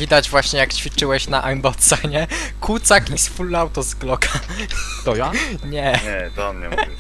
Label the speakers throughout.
Speaker 1: widać właśnie jak ćwiczyłeś na aimbotsa, nie? Kucak i z full auto z Glocka.
Speaker 2: To ja?
Speaker 1: Nie.
Speaker 3: Nie, to on nie mówił.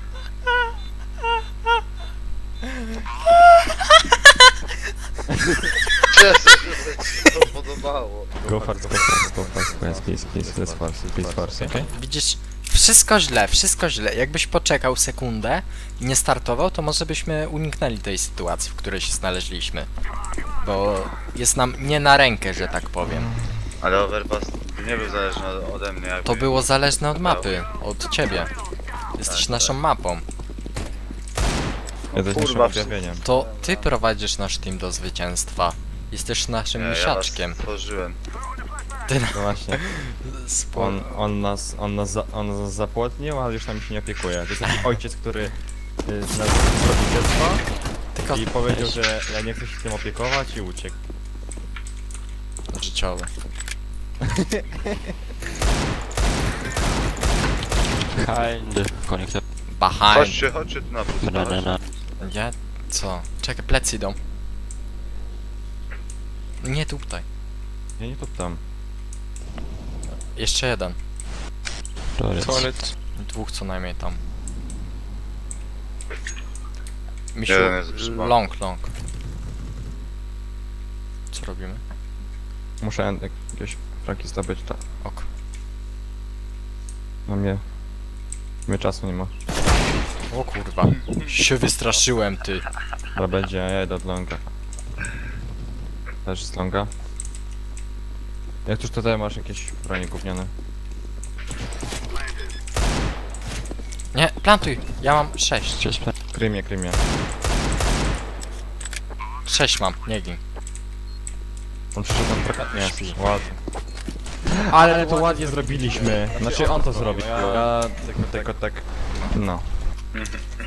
Speaker 3: Cieszę się, że ci się to podobało.
Speaker 2: Go fast, please force, okay?
Speaker 1: Widzisz, wszystko źle. Jakbyś poczekał sekundę i nie startował, to może byśmy uniknęli tej sytuacji, w której się znaleźliśmy. Bo jest nam nie na rękę, że tak powiem.
Speaker 3: Ale Overpass nie był zależny ode mnie. Jakby
Speaker 1: To było zależne od mapy, od ciebie. Jesteś naszą mapą.
Speaker 2: Jesteś naszym
Speaker 3: kurwa,
Speaker 2: objawieniem.
Speaker 1: To ty prowadzisz nasz team do zwycięstwa. Jesteś naszym misiaczkiem.
Speaker 3: Ja was stworzyłem.
Speaker 1: Ty na...
Speaker 2: No właśnie,
Speaker 1: Spo...
Speaker 2: on nas zapłodnił, ale już nami się nie opiekuje. To jest taki ojciec, który nas zrobił dziecko
Speaker 1: Tylko
Speaker 2: i powiedział, że ja nie chcę się tym opiekować i uciekł.
Speaker 1: życiowe.
Speaker 4: Behind. Connector.
Speaker 1: Behind.
Speaker 3: Chodźcie tu na plus.
Speaker 4: Banana.
Speaker 1: Ja... co? Czekaj, plecy idą. Nie tutaj.
Speaker 2: Ja nie tam.
Speaker 1: Jeszcze jeden.
Speaker 4: Toilet.
Speaker 1: Dwóch co najmniej tam. Misiu,
Speaker 3: Jeden jest przypomnę.
Speaker 1: long. Co robimy?
Speaker 2: Muszę jakieś fraki zdobyć, tak.
Speaker 1: Ok.
Speaker 2: No mnie czasu nie ma.
Speaker 1: O kurwa. Się wystraszyłem, ty.
Speaker 2: Ale będzie, ja jedę od longa. Też z longa. Jak tuż tutaj masz jakieś bronie gówniane?
Speaker 1: Nie, plantuj. Ja mam 6.
Speaker 4: Just plan.
Speaker 2: Krymie.
Speaker 1: 6 mam, nie gin.
Speaker 2: On przyszedł tam trochę... Nie, ładnie. Ale to ładnie zrobiliśmy. Znaczy on to zrobił. Ja tylko tak... No.